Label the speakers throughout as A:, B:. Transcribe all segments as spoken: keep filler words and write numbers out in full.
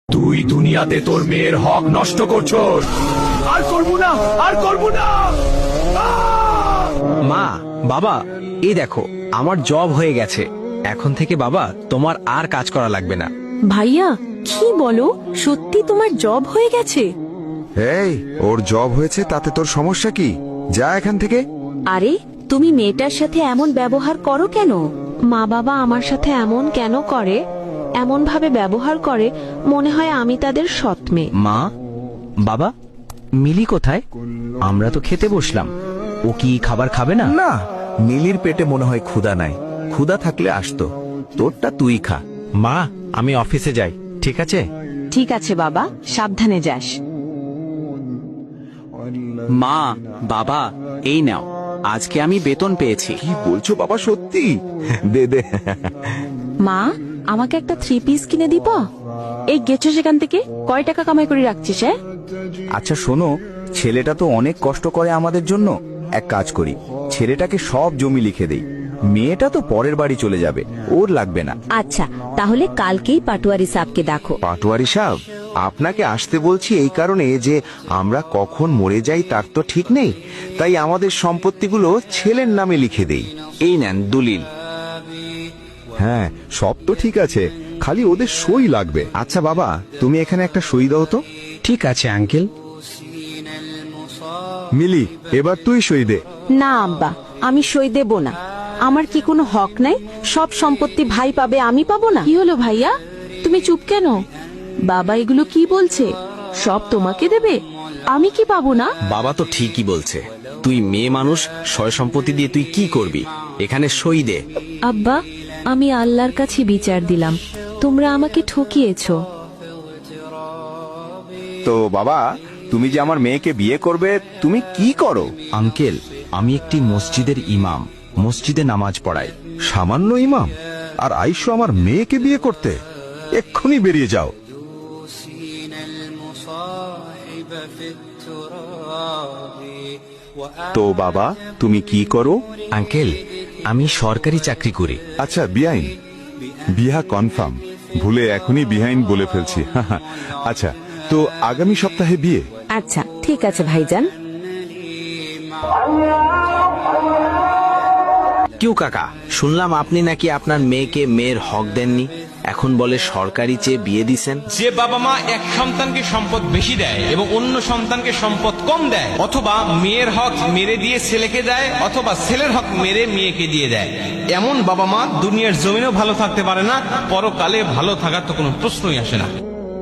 A: তুই দুনিয়াতে তোর মেয়ের হক নষ্ট করছস। আর করব না, আর করব না।
B: মা, বাবা, এই দেখো আমার জব হয়ে গেছে। এখন থেকে বাবা তোমার আর কাজ করা লাগবে না।
C: ভাইয়া, কি বলো? সত্যি তোমার জব হয়ে গেছে?
D: এই, ওর জব হয়েছে তাতে তোর সমস্যা কি? যা এখান থেকে।
C: আরে, তুমি মেয়েটার সাথে এমন ব্যবহার করো কেন? মা বাবা আমার সাথে এমন কেন করে? এমন ভাবে ব্যবহার করে মনে হয় আমি তাদের সৎ মেয়ে।
B: মা, বাবা, মিলি কোথায়? আমরা তো খেতে বসলাম। ও কি খাবার খাবে না?
E: না, মিলির পেটে মনে হয় ক্ষুধা নাই। ক্ষুধা থাকলে আসতো। তোরটা তুই খা।
B: মা, আমি অফিসে যাই, ঠিক আছে?
C: ঠিক আছে বাবা, সাবধানে যাস।
B: মা, বাবা, এই নাও, আজকে আমি বেতন পেয়েছি।
E: কি বলছো বাবা, সত্যি? দে দে।
C: মা, আমাকে একটা থ্রি পিস কিনে দিবা? এই গেছো সেখান থেকে, কয় টাকা কামাই করে রাখছিস? হ্যাঁ,
E: আচ্ছা শোনো, ছেলেটা তো অনেক কষ্ট করে আমাদের জন্য। এক কাজ করি, ছেলেটাকে সব জমি লিখে দেই। মেয়েটা তো পরের বাড়ি চলে যাবে, ওর লাগবে না।
C: আচ্ছা, তাহলে কালকেই পাটোয়ারি সাহেবকে দেখো।
D: পাটোয়ারি সাহেব, আপনাকে আসতে বলছি এই কারণে যে আমরা কখন মরে যাই তার তো ঠিক নেই, তাই আমাদের সম্পত্তিগুলো ছেলের নামে লিখে দেই।
B: এই নেন দলিল।
D: হ্যাঁ, সব তো ঠিক আছে, খালি ওদের সই লাগবে। আচ্ছা বাবা, তুমি এখানে একটা সই দাও তো।
B: ঠিক আছে আঙ্কেল।
D: মিলি, এবার তুই সই দে।
C: না আব্বা, আমি সই দেব না। আমার কি কোনো হক নাই? সব সম্পত্তি ভাই পাবে, আমি পাবো না? কি হলো ভাইয়া, তুমি চুপ কেন? বাবা এগুলো কি বলছে? সব তোমাকে দেবে, আমি কি পাবো না?
B: বাবা তো ঠিকই বলছে। তুই মেয়ে মানুষ, সয় সম্পত্তি দিয়ে তুই কি করবি? এখানে সই দে।
C: আব্বা, আমি আল্লাহর কাছে বিচার দিলাম, তোমরা আমাকে ঠকিয়েছো।
D: তো বাবা, তুমি যে আমার মেয়েকে বিয়ে করবে, তুমি কি করো?
B: আঙ্কেল, আমি একটি মসজিদের ইমাম, মসজিদে নামাজ পড়াই।
D: সামান্য ইমাম, আর আইসো আমার মেয়েকে বিয়ে করতে? এক্ষুনি বেরিয়ে যাও। তো বাবা, তুমি কি করো?
B: আঙ্কেল, আমি সরকারি চাকরি করি।
D: আচ্ছা বিয়াইন, বিয়া কনফার্ম। ভুলে এখনই বিহাইন বলে ফেলছি। আচ্ছা, তো আগামী সপ্তাহে বিয়ে?
C: আচ্ছা ঠিক আছে ভাইজান।
B: কিউ কাকা, শুনলাম আপনি নাকি আপনার মেয়েকে মেয়ের হক দেননি, এখন বলে সরকারি চেয়ে বিয়ে দিছেন।
F: যে বাবা মা এক সন্তানকে সম্পদ বেশি দেয় এবং অন্য সন্তানকে সম্পদ কম দেয়, অথবা মেয়ের হক মেরে দিয়ে ছেলেকে দেয়, অথবা ছেলের হক মেরে মেয়েকে দিয়ে দেয়, এমন বাবা মা দুনিয়ার জমিনেও ভালো থাকতে পারে না, পরকালে ভালো থাকার তো কোনো প্রশ্নই আসে না।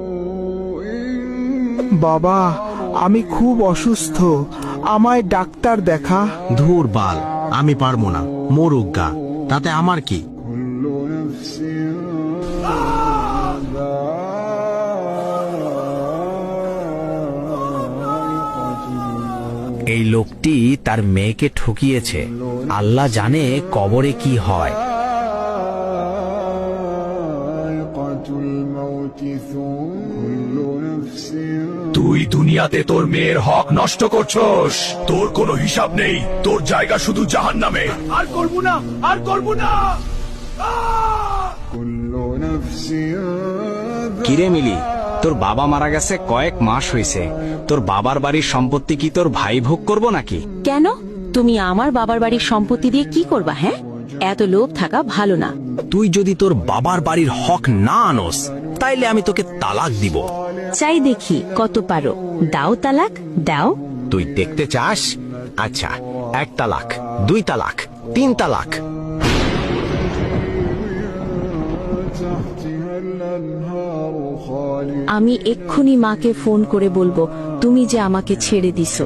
G: বাবা, আমি খুব অসুস্থ, আমায় ডাক্তার দেখা।
B: ধুর বাল, আমি পারবো না, মরুক গা, তাতে আমার কি? এই লোকটি তার মেয়েকে ঠকিয়েছে। আল্লাহ জানে কবরে কি হয়।
A: তুই দুনিয়াতে তোর মেয়ের হক নষ্ট করছস। তোর কোনো হিসাব নেই, তোর জায়গা শুধু জাহান্নামে। আর করব না, আর করব না।
B: কিরে মিলি, তোর বাবা মারা গেছে কয়েক মাস হয়েছে, তোর বাবার বাড়ির সম্পত্তি কি তোর ভাই ভোগ করবো নাকি?
C: কেন, তুমি আমার বাবার বাড়ির সম্পত্তি দিয়ে কি করবা? হ্যাঁ, এত লোভ থাকা ভালো না।
B: তুই যদি তোর বাবার বাড়ির হক না আনস, তাইলে আমি তোকে তালাক দিব।
C: চাই দেখি কত পারো, দাও তালাক দাও।
B: তুই দেখতে চাস? আচ্ছা, এক তালাক, দুই তালাক, তিন তালাক।
C: আমি এক্ষুনি মাকে ফোন করে বলবো তুমি যে আমাকে ছেড়ে দিছো।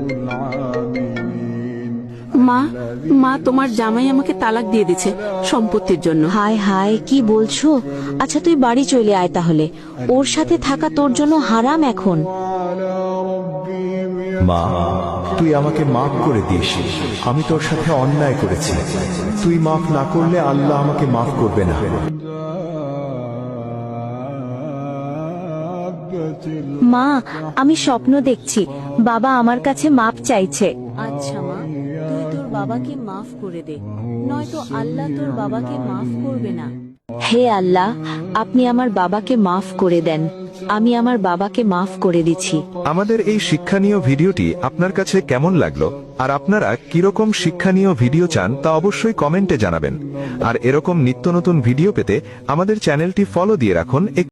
C: মা, মা তোমার জামাই আমাকে তালাক দিয়ে দিছে সম্পত্তির জন্য। হায় হায়, কি বলছো? আচ্ছা তুই বাড়ি চলে আয় তাহলে, ওর সাথে থাকা তোর জন্য হারাম এখন।
E: মা, তুই আমাকে মাফ করে দিস। আমি তোর সাথে অন্যায় করেছি। তুই মাফ না করলে আল্লাহ আমাকে মাফ করবে না।
C: মা, আমি স্বপ্ন দেখছি, বাবা আমার কাছে মাপ চাইছে। আচ্ছা মা, তুই তোর বাবাকে মাফ করে দে, নয়তো আল্লাহ তোর বাবাকে মাফ করবে না। হে আল্লাহ, আপনি আমার বাবাকে মাফ করে দেন। আমি আমার বাবাকে মাফ করে দিচ্ছি।
H: আমাদের এই শিক্ষণীয় ভিডিওটি আপনার কাছে কেমন লাগলো আর আপনারা কিরকম শিক্ষণীয় ভিডিও চান তা অবশ্যই কমেন্টে জানাবেন। আর এরকম নিত্য নতুন ভিডিও পেতে আমাদের চ্যানেলটি ফলো দিয়ে রাখুন।